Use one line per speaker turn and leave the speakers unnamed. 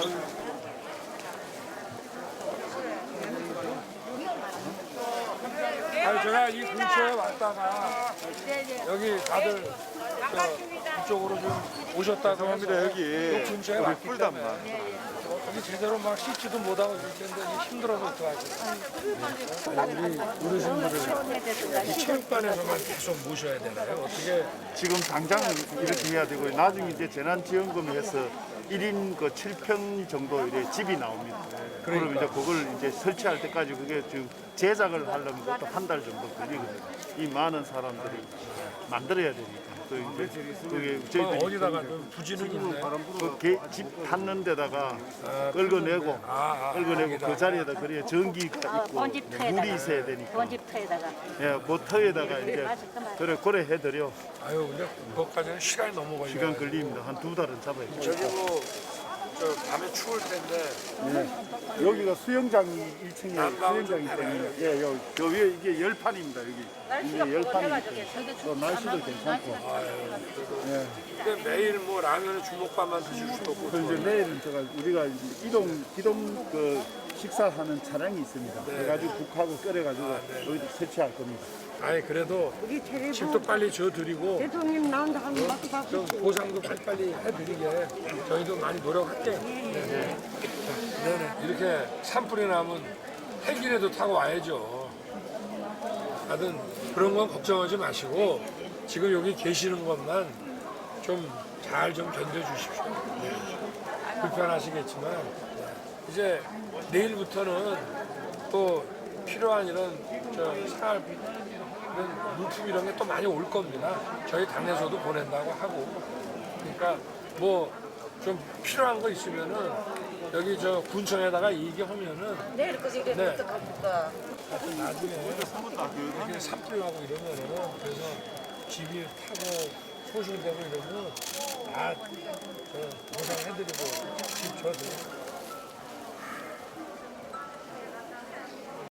아니 제가 이 근처에 왔다가 여기 다들 이쪽으로 좀 오셨다고 해서
여기
근처에
우리
왔기
꿀담만
때문에 여기 제대로 막 씻지도 못하고 있을 텐데 힘들어서 어떡하지. 우리 어르신들을 이 체육관에서만 계속 모셔야 되나요? 어떻게
지금 당장 이렇게 해야 되고 나중에 이제 재난지원금에서 1인 그 7평 정도 이래 집이 나옵니다. 그럼 이제 그걸 이제 설치할 때까지 그게 지금 제작을 하려면 그것도 한 달 정도 걸리거든요. 이 많은 사람들이 만들어야 되니까. 또 이제 그게 저희들이
어디다가 좀 부지는 있나요?
집 닿는 데다가 긁어내고 그 자리에다 그래야 전기가 있고 물이 있어야 되니까.
본집터에다가
예, 그 터에다가 이제 그래 해드려.
아유 근데 그것까지는 시간이 너무 걸려요.
시간 걸립니다. 한 2달은 잡아야 돼요.
저기 저 밤에 추울 텐데
여기가 수영장이 1층에
난방은
수영장이
좀
때문에 예, 저 위에 이게 열판입니다. 여기 이게 열판이기 또 날씨도 괜찮고.
근데 매일 뭐 라면에 주먹밥만 드실 수도 없고
그 이제 내일은 제가 우리가 이제 기동 그 식사하는 차량이 있습니다. 그래가지고 국하고 끓여가지고 여기다 설치할 겁니다.
아니 그래도 집도 빨리 줘드리고
대통령 나온다 하면 막고 받고
좀 보상도 빨리빨리 해드리게 저희도 많이 노력할게요. 네네. 이렇게 산불이 나면 헬기라도 타고 와야죠. 하여튼 그런 건 걱정하지 마시고 지금 여기 계시는 것만 좀 잘 좀 견뎌주십시오. 네. 불편하시겠지만 이제 내일부터는 또 필요한 이런 생활 이런 물품 이런 게 또 많이 올 겁니다. 저희 당에서도 보낸다고 하고 그러니까 뭐 좀 필요한 거 있으면은 여기 저 군청에다가 얘기하면은
내일 거기 이게
네.
어떡합니까?
하여튼 나중에 이렇게 산불나고 이러면은 그래서 집이 타고 소실되고 이러면 다 저 보상해드리고 집 줘도